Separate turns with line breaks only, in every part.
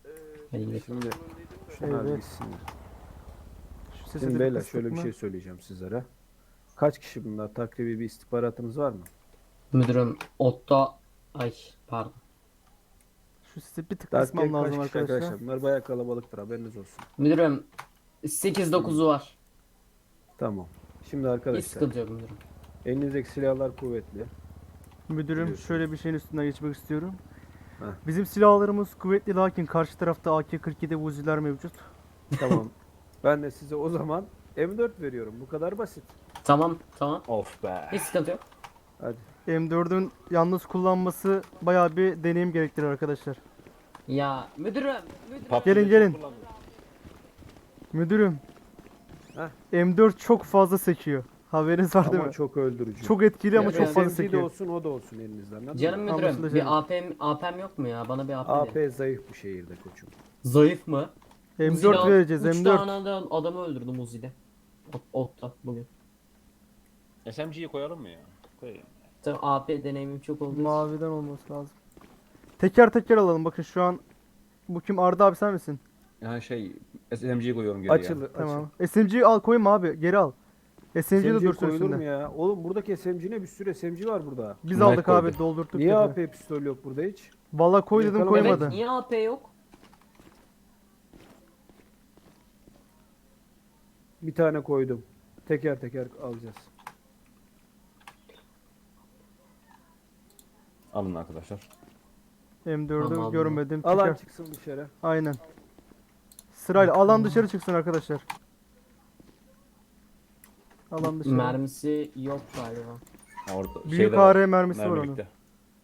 Hadi gidelim.
Şimdi şunlar
Evet.
gitsin.
Şu sesi
Şimdi
de
beyler
kıstık
şöyle bir
mı?
şey söyleyeceğim sizlere. Kaç kişi bunlar? Takribi bir istihbaratınız var mı?
Müdürüm Otto ay pardon.
Şu sesi bir tık kısmam
Takribi kaç
lazım
kişi
arkadaşlar.
arkadaşlar? Bunlar bayağı kalabalıktır, haberiniz olsun.
Müdürüm 8-9'u var.
Tamam. Şimdi
Hiç
arkadaşlar
sıkıntı yok müdürüm.
elinizdeki silahlar kuvvetli.
Müdürüm
Biliyorsunuz.
şöyle bir şeyin üstünden geçmek istiyorum.
Heh.
Bizim silahlarımız kuvvetli lakin karşı tarafta AK-47 Uzi'ler mevcut.
Tamam. Ben de size o zaman M4 veriyorum. Bu kadar basit.
Tamam tamam.
Of be.
Hiç sıkıntı yok.
Hadi.
M4'ün yalnız kullanması bayağı bir deneyim gerektirir arkadaşlar.
Ya müdürüm.
Gelin gelin. Müdürüm.
Heh.
M4 çok fazla sekiyor. Haberiniz var değil
Ama
mi?
çok öldürücü.
Çok etkili ama
Ya,
çok fazla
SMG de
sekiyor.
olsun, o da olsun elinizden. Anladın
Canım
mı?
müdürüm
Anlaşıldı
bir
canım.
AP'm yok mu ya? Bana bir AP
AP
verin.
zayıf bu şehirde koçum.
Zayıf mı?
M4 vereceğiz
3
M4.
tane adamı öldürdüm Uzi'de. Otto bugün.
SMG'yi koyalım mı ya? Koyayım.
Tabii AP deneyimim çok olduğu için.
Maviden olması lazım. Teker teker alalım. Bakın şu an bu kim? Arda abi sen misin?
Yani SMG'yi koyuyorum geriye.
Açıl, açıl.
Tamam. SMG'yi al koyma abi. Geri al. SMG de
SMG
dursun
koyulur mu
üstünde.
ya? Oğlum buradaki SMG'ne bir sürü SMG var burada.
Biz
Mike
aldık abi
koydu.
doldurduk.
Niye
dedi.
AP pistol yok burada hiç?
Valla koy dedim
Yakalama.
koymadı.
Evet niye AP yok?
Bir tane koydum. Teker teker alacağız.
Alın arkadaşlar.
M4'ü
Tamam.
görmedim.
Alan
Teker.
çıksın dışarı.
Aynen. Sırayla alan dışarı çıksın arkadaşlar. Alan dışarı.
Mermisi yok galiba.
Ha, orada
Büyük
şeyde
AR mermisi var
mermi
onun.
bitti.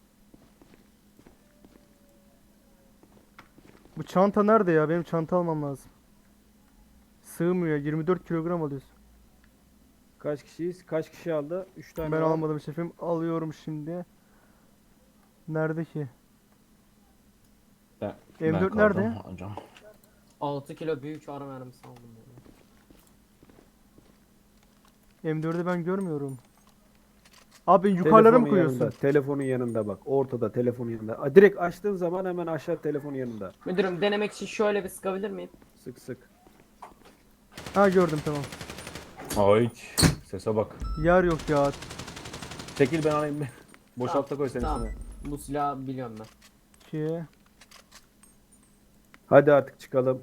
Bu çanta nerede ya? Benim çanta almam lazım. Sığmıyor. 24 kilogram alıyorsun.
Kaç kişiyiz? Kaç kişi aldı? 3 tane
Ben
var.
almadım şefim. Alıyorum şimdi. Nerede ki?
Ben,
M4
kaldım,
nerede?
alacağım.
6 kilo büyük ara mermisi aldım. Yani.
M4'ü ben görmüyorum. Abi yukarılara
Telefonun
mı koyuyorsun?
yanında, telefonun yanında bak. Ortada telefonun yanında. Direkt açtığın zaman hemen aşağı telefonun yanında.
Müdürüm denemek için şöyle bir sıkabilir miyim?
Sık sık.
Ha gördüm tamam.
Ay sese bak.
Yer yok ya.
Çekil ben alayım. Boşalt da koy sen
Tamam.
üstüne.
Bu silahı biliyorum ben.
2.
Hadi artık çıkalım.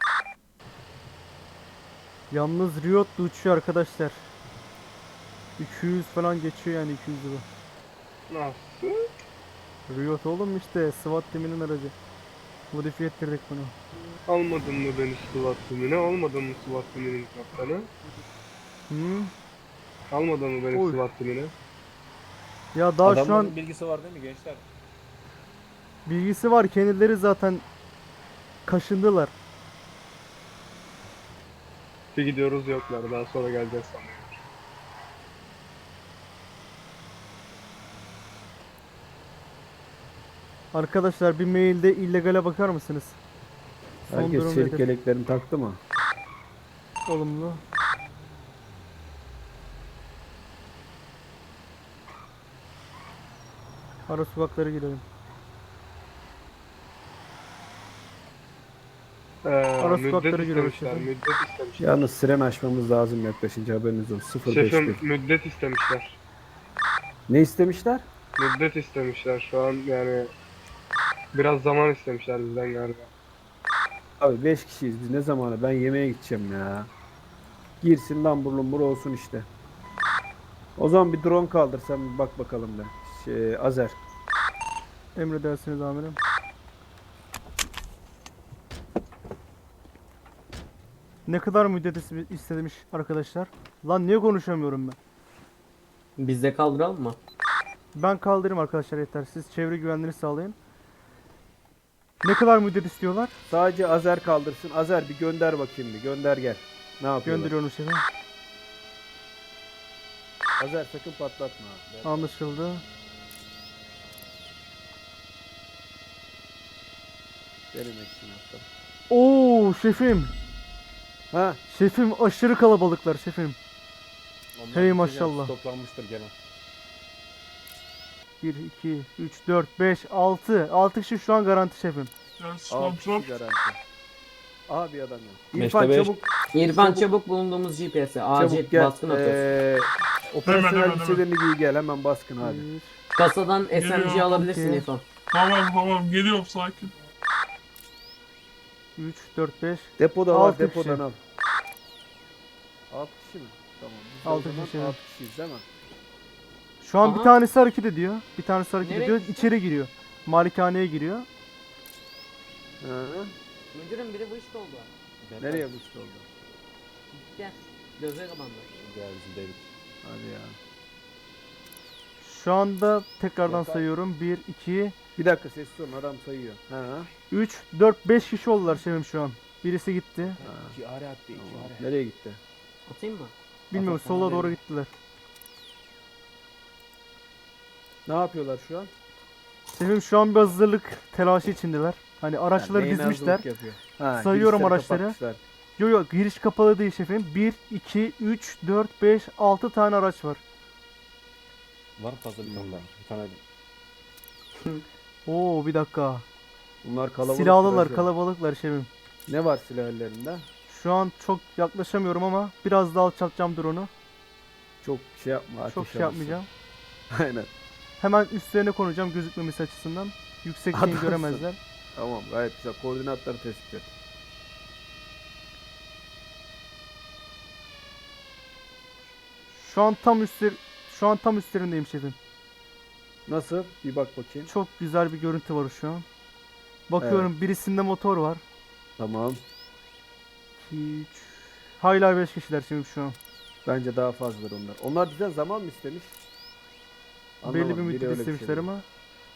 Yalnız Riot da uçuyor arkadaşlar. 200 falan geçiyor yani 200 bu.
Nasıl?
Riot oğlum işte SWAT timinin aracı. Modifiye ettirdik bunu.
Almadın mı beni SWAT timine? Almadın mı SWAT timinin kaptanı?
Hı?
Almadın mı beni
Oy.
SWAT timine?
Ya daha şu
Adamların
an
bilgisi var değil mi gençler?
bilgisi var, kendileri zaten kaşındılar.
Bir gidiyoruz yoklar. Daha sonra geleceğiz sanıyorum.
Arkadaşlar bir mailde illegale bakar mısınız? Son
Herkes
durum
çelik
nedir?
yeleklerini taktı mı?
Olumlu. Ara sokaklara girelim. Ara sokaklara
Müddet
giriyoruz
istemişler.
şefim.
Müddet istemişler.
Yalnız siren açmamız lazım yaklaşınca, haberiniz olsun. 05'te.
Şefim müddet istemişler.
Ne istemişler?
Müddet istemişler. Şu an yani biraz zaman istemişler bizden galiba.
Abi 5 kişiyiz biz, ne zamanı? Ben yemeğe gideceğim ya. Girsin lambur lumbur olsun işte. O zaman bir drone kaldır sen, bir bak bakalım da. Azer.
Emredersiniz amirim. Ne kadar müddet istemiş arkadaşlar? Lan niye konuşamıyorum ben?
Biz de kaldıralım mı?
Ben kaldırayım arkadaşlar yeter. Siz çevre güvenliğini sağlayın. Ne kadar müddet istiyorlar?
Sadece Azer kaldırsın. Azer bir gönder bakayım, bir gönder gel. Ne yapıyorlar?
Gönderiyorum şefim.
Azer sakın patlatma. abi.
Anlaşıldı.
Benim eksim hatta.
Oo şefim.
Ha,
Şefim aşırı kalabalıklar şefim.
Onlar
Hey
bir
maşallah.
toplanmıştır gene.
1, 2, 3, 4, 5, 6. 6 kişi şu an garanti şefim.
Yes,
6
kontrol.
kişi garanti. Aha bir adam yok.
Beşte
İrfan
beş.
çabuk.
İrfan çabuk bulunduğumuz GPS'e acil
Çabuk gel.
baskın atıyoruz.
Operasyonel
Hemen.
elbiselerini giy gel hemen baskın hadi.
Bir,
Kasadan
Geliyor,
SMG alabilirsin
okey.
İrfan.
Tamam geliyorum sakin.
3, 4, 5.
Depoda var
Altı
depodan
kişi.
al. 6 kişi mi? Tamam. Biz de
Altı
o zaman
kişi.
6 kişiyiz değil mi?
Şu an
Aha.
bir tanesi hareket ediyor. Bir tanesi hareket
Nereye
ediyor.
gitti?
İçeri giriyor. Malikaneye giriyor.
Hı.
Müdürüm biri bu işte oldu.
Nereye bu işte oldu?
Gel. Gözleri kapandı.
Gel bizim David.
Hadi ya.
Şu anda tekrardan
Yok abi.
sayıyorum. 1, 2,
Bir dakika sessiz olun adam sayıyor. Ha.
3, 4, 5 kişi oldular şefim şu an. Birisi gitti.
Ha.
2 are attı 2
Tamam.
are.
Nereye gitti?
Atayım mı?
Bilmiyorum
Atak bana
sola doğru
değil.
gittiler.
Ne yapıyorlar şu an?
Şefim şu an bir hazırlık telaşı içindeler. Hani araçları
neyin
dizmişler.
hazırlık yapıyor? Ha,
Sayıyorum
girişleri
araçları.
kapatmışlar.
Yo yo giriş kapalı değil şefim. 1, 2, 3, 4, 5, 6 tane araç var.
Var mı fazla bir tane daha? Bir tane
Oo bir dakika.
Bunlar kalabalık.
Silahlılar
biraz
kalabalıklar şefim.
Ne var silah ellerinde?
Şu an çok yaklaşamıyorum ama biraz daha alçaltacağım drone'u.
Çok şey yapma.
Çok
ateş
şey
alırsın.
yapmayacağım.
Aynen.
Hemen üstlerine konacağım gözükmemesi açısından. Yüksekliğini
Adamsın.
göremezler.
Tamam gayet güzel. Koordinatları tespit et.
Şu an tam üstlerindeyim şefim.
Nasıl? Bir bak bakayım.
Çok güzel bir görüntü var şu an. Bakıyorum birisinde motor var.
Tamam.
2, 3. Hala 5 kişiler şimdi şu an.
Bence daha fazladır onlar. Onlar bizden zaman mı istemiş?
Belli bir
Anlamadım, biri
müddet
öyle bir şey
istemişler
dedi.
ama.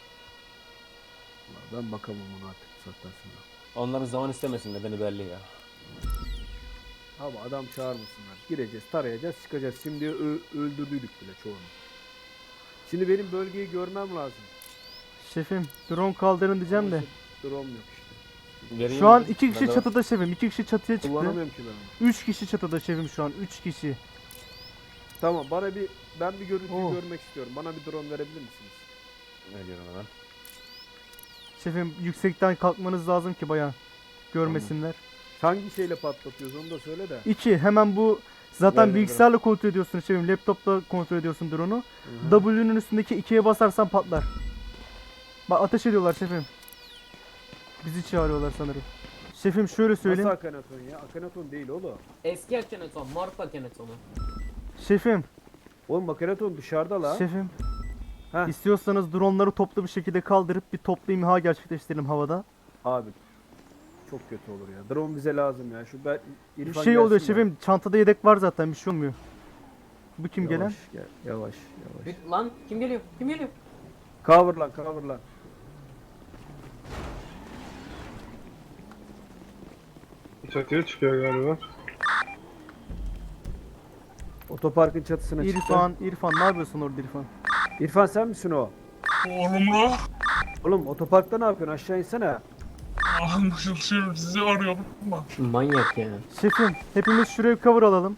Ben bakamam ona artık bu saatten sonra.
Onların zaman istemesin nedeni belli ya.
Abi adam çağırmasınlar. Gireceğiz, tarayacağız, çıkacağız. Şimdi öldürdük bile çoğunu. Şimdi benim bölgeyi görmem lazım.
Şefim drone kaldırın diyeceğim de.
Drone yok işte.
Vereyim
Şu an
mi?
2 kişi
Bende var.
çatıda şefim. 2 kişi çatıya çıktı.
Kullanamıyorum ki ben onu.
3 kişi çatıda şefim şu an. 3 kişi.
Tamam ben bir görüntüyü
Oo.
görmek istiyorum. Bana bir drone verebilir misiniz?
Ne diyorum hemen?
Şefim yüksekten kalkmanız lazım ki bayağı görmesinler.
Hangi şeyle patlatıyoruz onu da söyle de.
2 hemen bu zaten
Ver, ver,
bilgisayarla kontrol ediyorsun şefim. Laptopla kontrol ediyorsun drone'u.
Hı hı.
W'nun üstündeki 2'ye basarsan patlar. Bak ateş ediyorlar şefim. Bizi çağırıyorlar sanırım. Şefim şöyle söyleyeyim.
Nasıl Akhenaton ya? Akhenaton değil oğlum.
Eski Akhenaton, Morph Akhenaton'u.
Şefim,
Oğlum Akhenaton dışarıda la.
şefim.
Heh.
İstiyorsanız dronları toplu bir şekilde kaldırıp bir toplu imha gerçekleştirelim havada.
Abi çok kötü olur ya. Drone bize lazım ya. Şu ben
Bir
İrfan
şey oluyor
gelsin de.
şefim. Çantada yedek var zaten bir şey olmuyor. Bu kim
Yavaş,
gelen?
gel, yavaş.
Lan kim geliyor? Kim geliyor?
Cover lan.
Çatıya çıkıyor galiba.
Otoparkın çatısına çıktı.
İrfan ne yapıyorsun orada İrfan?
İrfan sen misin o?
Olumlu.
Oğlum otoparkta ne yapıyorsun? Aşağı insene.
Anlaşılıyor. Sizi arıyorum. Bak.
Manyak ya.
Şefim hepimiz şuraya bir cover alalım.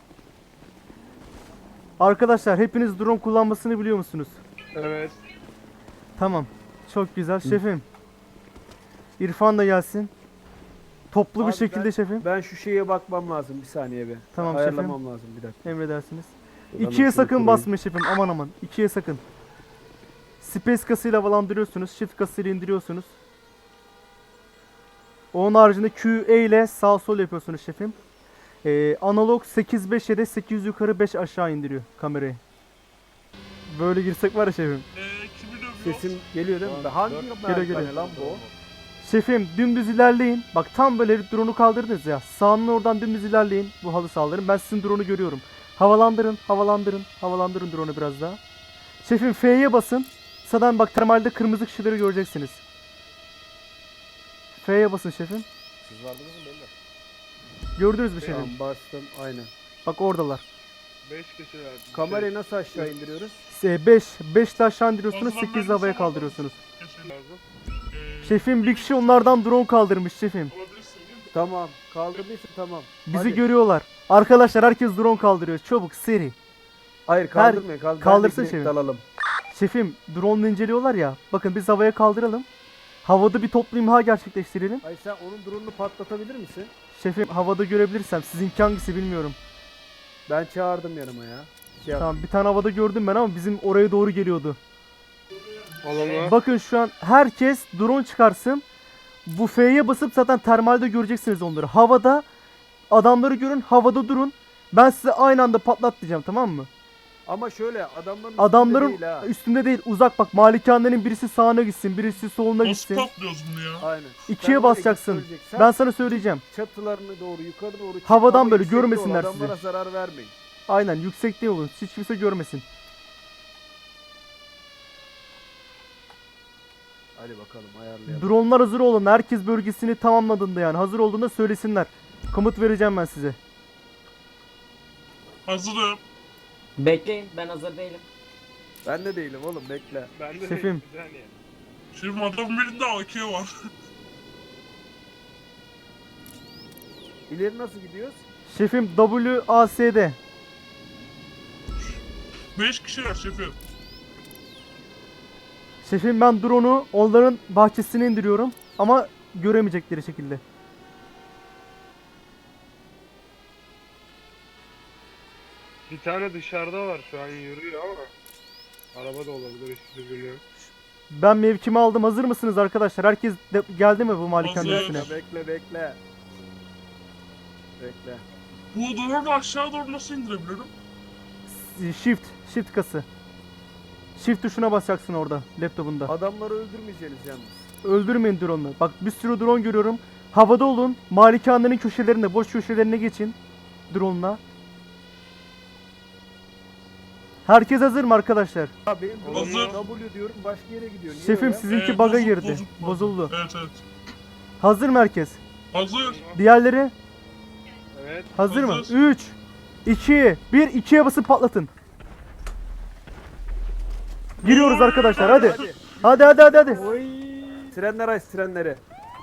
Arkadaşlar hepiniz drone kullanmasını biliyor musunuz?
Evet.
Tamam. Çok güzel şefim. İrfan da gelsin. Toplu bir
Abi
şekilde şefim.
Ben şu şeye bakmam lazım bir saniye bir.
Tamam
Ayarlamam lazım bir dakika.
Emredersiniz.
Buradan
2'ye
şunu
sakın
kurayım.
basmayın şefim aman aman. 2'ye sakın. Space kasıyla havalandırıyorsunuz. Shift kasıyla indiriyorsunuz. Onun haricinde QE ile sağ sol yapıyorsunuz şefim. Analog 8-5 ya da 8 yukarı 5 aşağı indiriyor kamerayı. Böyle girsek var ya şefim.
Kimi dövüyor?
Sesim geliyor değil mi? Hangi
Geliyor.
merdivene lan bu?
Şefim dümdüz ilerleyin. Bak tam böyle drone'u kaldırdınız ya. Sağının oradan dümdüz ilerleyin. Bu halı saldırın. Ben sizin drone'u görüyorum. Havalandırın. Havalandırın drone'u biraz daha. Şefim F'ye basın. Sağdan bak termalde kırmızı kişileri göreceksiniz. F'ye basın şefim.
Siz vardınız mı belli?
Gördünüz mü şefim?
Tamam bastım aynen.
Bak oradalar.
5 kişiler.
Kamerayı nasıl aşağı indiriyoruz?
5 ile aşağı indiriyorsunuz.
O zaman
8
ben
havaya
sana-
kaldırıyorsunuz.
Kesin.
lazım.
Şefim bir kişi onlardan drone kaldırmış şefim.
Olabilirsin değil mi?
Tamam kaldırdıysa tamam.
Bizi
Hadi.
görüyorlar. Arkadaşlar herkes drone kaldırıyor. Çabuk seri.
Hayır kaldırmayın.
kaldırsın
Ben de
şefim.
dalalım.
Şefim drone inceliyorlar ya. Bakın biz havaya kaldıralım. Havada bir toplu imha gerçekleştirelim.
Ay sen onun drone'unu patlatabilir misin?
Şefim havada görebilirsem sizinki hangisi bilmiyorum.
Ben çağırdım yanıma ya. Şey yap-
Tamam bir tane havada gördüm ben ama bizim oraya doğru geliyordu.
Olumlu.
Bakın şu an herkes drone çıkarsın. Bu F'ye basıp zaten termalde göreceksiniz onları. Havada adamları görün, havada durun. Ben size aynı anda patlat diyeceğim, tamam mı?
Ama şöyle adamların
Adamların
üstünde değil ha.
üstünde değil, uzak bak. Malikanenin birisi sağına gitsin, birisi soluna
Nasıl
gitsin.
patlıyoruz bunu ya?
Aynen.
İkiye
Sen oraya
basacaksın.
götüreceksin.
Ben sana söyleyeceğim.
Çatılarını doğru yukarı doğru çık.
Havadan
Ama
böyle
yüksekte ol,
görmesinler
adamlara zarar vermeyin.
Aynen, yüksekte olun. Hiç kimse görmesin.
Hadi bakalım ayarlayalım.
Dronlar hazır olun. Herkes bölgesini tamamladığında yani. Hazır olduğunda söylesinler. Komut vereceğim ben size.
Hazırım.
Bekleyin, ben hazır değilim.
Ben de değilim oğlum bekle.
Ben de
Şefim.
bir saniye.
Şimdi adamın birinde AK var.
İleri nasıl gidiyoruz?
Şefim WASD.
5 kişiler şefim.
Şefim ben drone'u onların bahçesine indiriyorum. Ama göremeyecekleri şekilde.
Bir tane dışarıda var şu an yürüyor ama. Araba da olabilir hiçbir şey bilmiyorum.
Ben mevkimi aldım. Hazır mısınız arkadaşlar? Herkes geldi mi bu malikanenin
Hazır.
üstüne?
Bekle. Bekle.
Bu drone'u aşağı doğru nasıl indirebilirim?
Shift kası. Shift tuşuna basacaksın orada laptopunda.
Adamları öldürmeyeceğiz yalnız.
Öldürmeyin drone'u. Bak bir sürü drone görüyorum. Havada olun. Malikanenin köşelerine, boş köşelerine geçin. Drone'la. Herkes hazır mı arkadaşlar?
Ha benim
Hazır.
W diyorum başka yere gidiyor. Niye
Şefim
öyle?
sizinki bug'a
bozuk,
girdi.
bozuk.
Bozuldu.
Evet evet.
Hazır mı herkes?
Hazır.
Diğerleri
Evet.
hazır mı?
Hazır.
3 2 1 2'ye basıp patlatın. Giriyoruz arkadaşlar hadi. Hadi.
Oy. Trenler aç trenleri.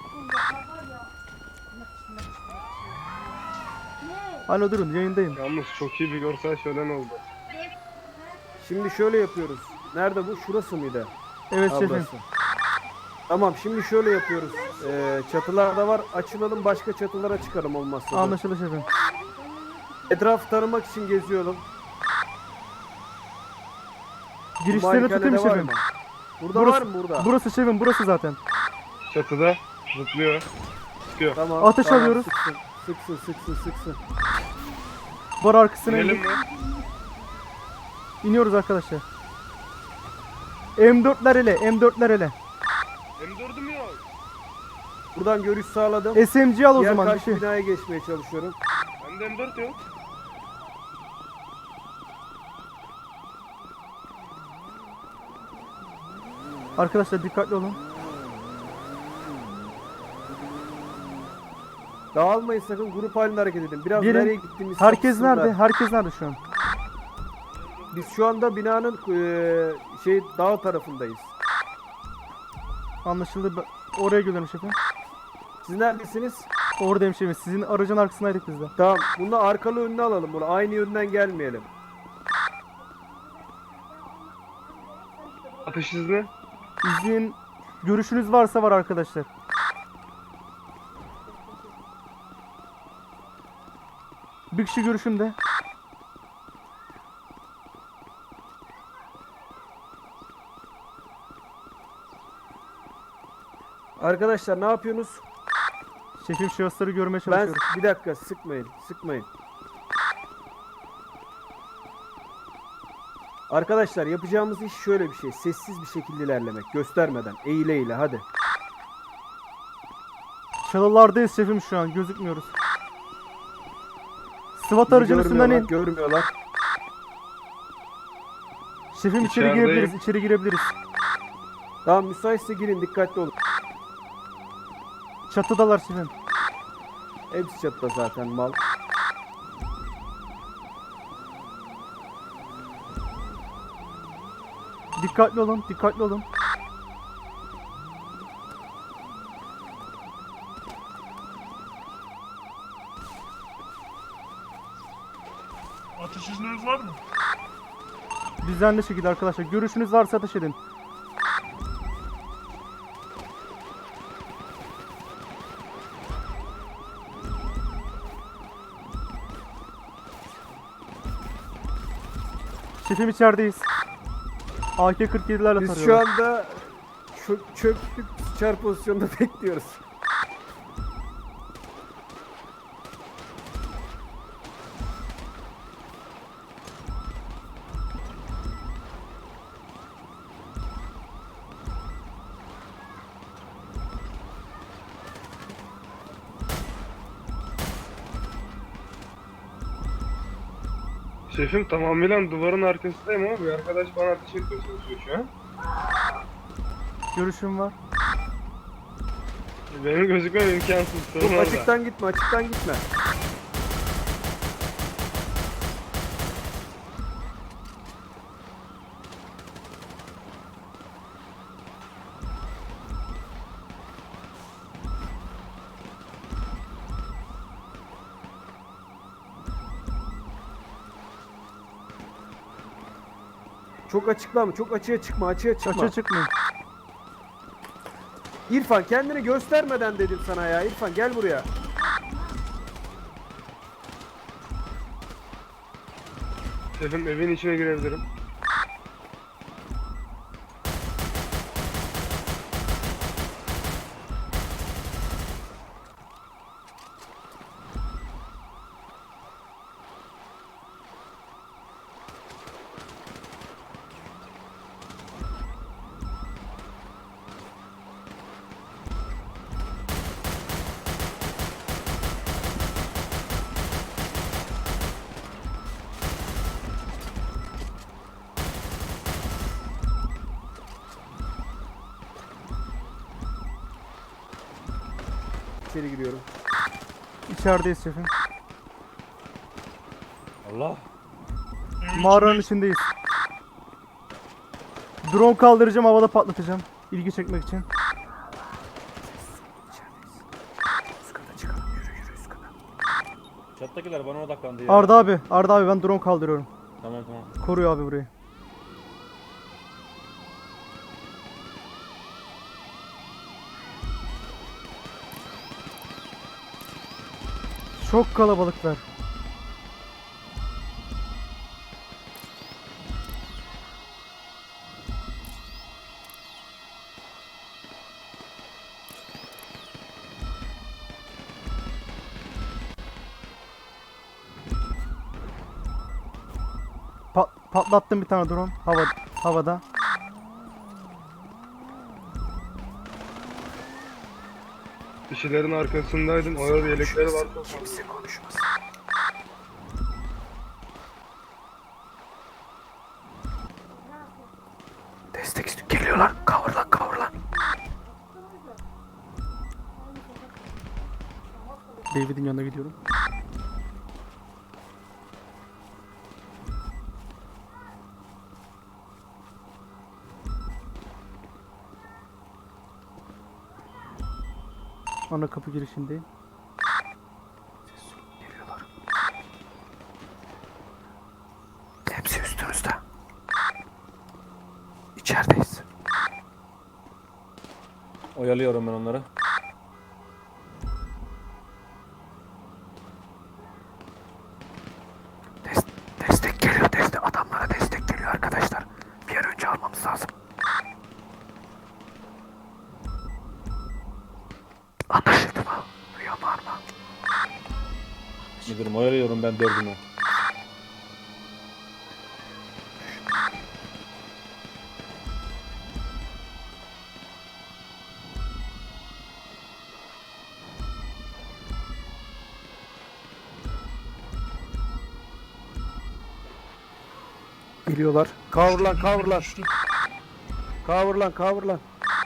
Alo durun yayındayım.
Yalnız çok iyi bir görsel şölen oldu.
Şimdi şöyle yapıyoruz. Nerede bu? Şurası mıydı?
Evet
Ha,
şefim.
burası. Tamam şimdi şöyle yapıyoruz. Çatılar da var. Açılalım başka çatılara çıkalım olmazsa. da.
Anlaşıldı şefim.
Etrafı tanımak için geziyorum.
Girişlerini tutayım mı
Malikanede var
şefim?
mı? Burada
Burası-
var mı burada?
Burası şefim, burası zaten.
Çatıda zıplıyor.
Tamam.
Ateş
tamam,
alıyoruz.
Sıksın.
Bar arkasına
İnelim
indik.
mi?
İniyoruz arkadaşlar. M4'ler ele, M4'ler ele.
M4'üm yok.
Buradan görüş sağladım.
SMG al o
Diğer
zaman bir
karşı
şey.
binaya geçmeye çalışıyorum.
Bende M4 yok.
Arkadaşlar dikkatli olun.
Dağılmayın sakın grup halinde hareket edin. Biraz
Gelin.
nereye gittiğimizi
Herkes
sapsınlar.
nerede? Herkes nerede şu an?
Biz şu anda binanın dağ tarafındayız.
Anlaşıldı. Oraya geliyorum şefim.
Siz neredesiniz?
Oradayım şefim. Sizin aracın arkasındaydık biz de.
Tamam. Bunu arkalı önüne alalım bunu. Aynı yönden gelmeyelim.
Atış izni.
İzin, görüşünüz varsa var arkadaşlar. Bir kişi görüşümde.
Arkadaşlar ne yapıyorsunuz?
Şefim şahısları görmeye
Ben
çalışıyoruz.
bir dakika sıkmayın. Arkadaşlar yapacağımız iş şöyle bir şey. Sessiz bir şekilde ilerlemek. Göstermeden. Eğile hadi.
Çalılardayız şefim şu an. Gözükmüyoruz. SWAT
Bizi
aracının üstünden in.
görmüyorlar.
Şefim içeri
İçerideyim.
girebiliriz. İçeri girebiliriz.
Tamam müsaitse girin dikkatli olun.
Çatıdalar şefim.
Hepsi çatıda zaten mal.
Dikkatli olun. Dikkatli olun.
Ateş izniniz var mı?
Düzenli şekilde arkadaşlar. Görüşünüz varsa ateş edin. Şefim içerideyiz. AK-47'lerle
Biz şu
tarıyorlar.
anda çöktük sıçar pozisyonda bekliyoruz.
Şefim tamamıyla duvarın arkasındayım ama bir arkadaş bana ateş etmeye çalışıyor şu an.
Görüşüm var.
Benim gözükmem imkansız. Sorun
Yok,
orada.
açıktan gitme, açıktan gitme. Çok açıklama, çok açığa çıkma, açığa çıkma.
Açığa çıkmayın.
İrfan kendini göstermeden dedim sana ya. İrfan gel buraya.
Şefim evin içine girebilirim.
İçeri giriyorum.
İçerideyiz şefim.
Allah.
Mağaranın içindeyiz. Drone kaldıracağım, havada patlatacağım. İlgi çekmek için.
Üst kata çıkalım. Yürü yürü üst kata.
Çattakiler bana odaklandı ya.
Arda abi ben drone kaldırıyorum.
Tamam tamam.
Koruyor abi burayı. Çok kalabalıklar. Patlattım bir tane drone havada.
Kişilerin arkasındaydım. Orada yelekleri var.
Kimse konuşmasın. Destek istiyor. Geliyorlar. Kavur lan.
David'in yanına gidiyorum. Ana kapı girişindeyim.
Geliyorlar. Hepsi üstümüzde. İçerideyiz.
Oyalıyorum ben onları.
Destek geliyor. Adamlara destek geliyor arkadaşlar. Bir an önce almamız lazım. Anlaşıldı mı? Duyuyor mu Arma?
Müdürüm oyalıyorum ben dördümü.
Geliyorlar. Kavur lan. Kavur lan.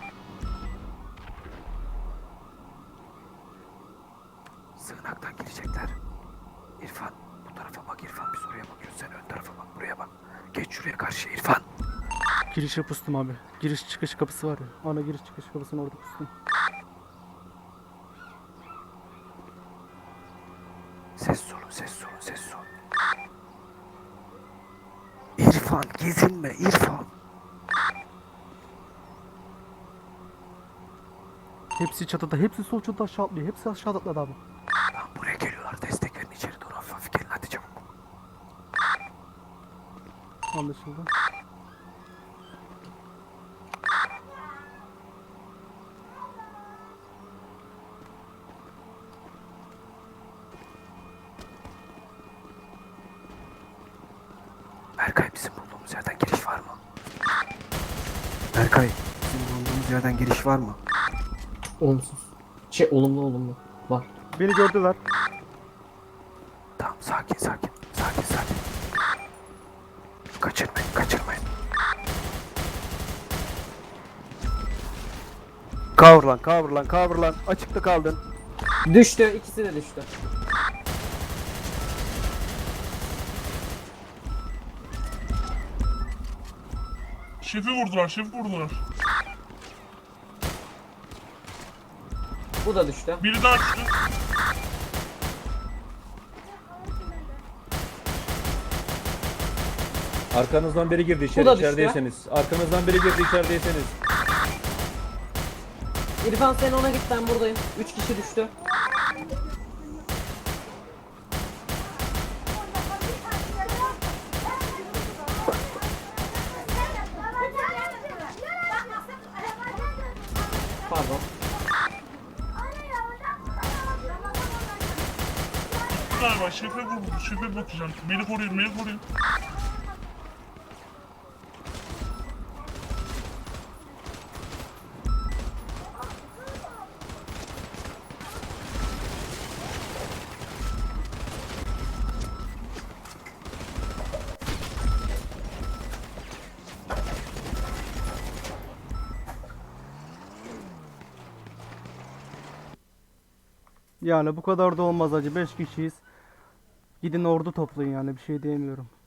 Sığınaktan girecekler. İrfan bu tarafa bak İrfan. Biz oraya bakıyoruz. Sen ön tarafa bak. Buraya bak. Geç şuraya karşıya İrfan.
Girişe pustum abi. Giriş çıkış kapısı var ya. Ana giriş çıkış kapısını orada pustum.
Ses olun. İrfan gezinme İrfan.
Hepsi çatıda. Hepsi sol çatıda aşağı atlıyor. Hepsi aşağı atladı abi.
Tamam buraya geliyorlar. Destek verin içeri doğru. Hafif gelin hadi çabuk.
Anlaşıldı.
Berkay bizim bulduğumuz yerden giriş var mı? Berkay bizim bulduğumuz yerden giriş var mı?
Olumsuz. Olumlu. Var.
Beni gördüler.
Tamam sakin. Kaçırmayın. Cover lan. Açıkta kaldın.
Düştü. İkisi de düştü.
Şefi vurdular.
Bu da düştü.
Biri daha düştü.
Arkanızdan biri girdi
Bu da düştü.
içerideyseniz. Arkanızdan biri girdi içerideyseniz.
İrfan sen ona git, ben buradayım. 3 kişi düştü. Pardon.
Galiba şefe vurdu. Şefe bakacağım. Beni koruyun.
Yani bu kadar da olmaz hacı. 5 kişiyiz. Gidin ordu toplayın yani, bir şey diyemiyorum.